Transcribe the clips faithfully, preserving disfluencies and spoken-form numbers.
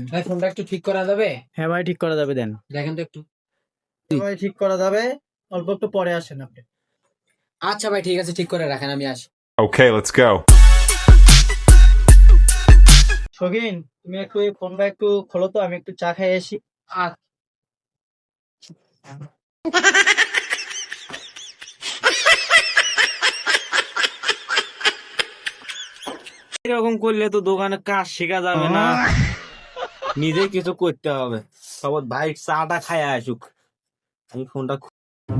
ভাই ফোনটা একটু ঠিক করা যাবে? হ্যাঁ ভাই ঠিক করা যাবে, দেন দেখেন তো একটু। ভাই ঠিক করা যাবে, অল্প একটু পরে আসেন আপনি। আচ্ছা ভাই ঠিক আছে, ঠিক করে রাখেন, আমি আসি। Okay, let's go. শৌখিন, তুমি একটু এই ফোনটা একটু খোলো তো, আমি একটু চা খাই আসি। আচ্ছা। এরকম করলে তো দোকানে কাজ শেখা যাবে না, নিজে কিছু করতে হবে। সব ভাই চাটা খায় আসুক, আমি ফোনটা খু-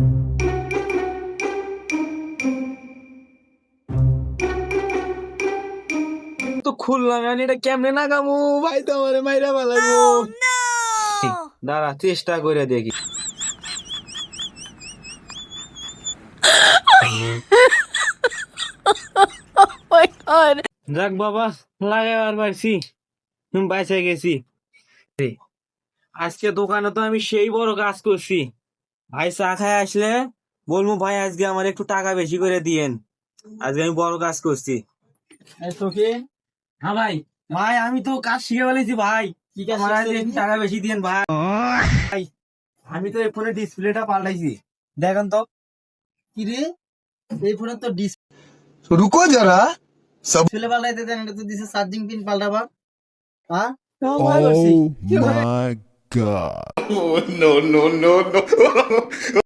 তো খুললাম, আমি এটা কেমনে নাগামু, ভাই তো আমারে মাইরা ফেলাইবো। দাঁড়া চেষ্টা করে দেখি। যাক বাবা, লাগাবার পারছি, হুম বাইসে গেছি। আজকে দোকানে তো আমি সেই বড় কাজ করছি, ভাই চা খায় আসলে বলবো ভাই আজকে আমার একটু টাকা বেশি করে দিয়েন, আজকে আমি বড় কাজ করছি। এই শৌখিন, হ্যাঁ ভাই, ভাই আমি তো কাজ শিখে ফেলেছি ভাই, কি কাজ আমার আজকে শিখছো একটু তুমি? টাকা বেশি দিয়েন ভাই। ভাই, আমি তো এই ফোনের ডিসপ্লেটা পাল্টাইছি, দেখেন তো। কি রে, এই ফোনের তো रुको जरा सब ডিসপ্লে পাল্টাইতে দেন, এটা তো দিছে চার্জিং পিন পাল্টাবা। হ্যাঁ Oh my god. no no no no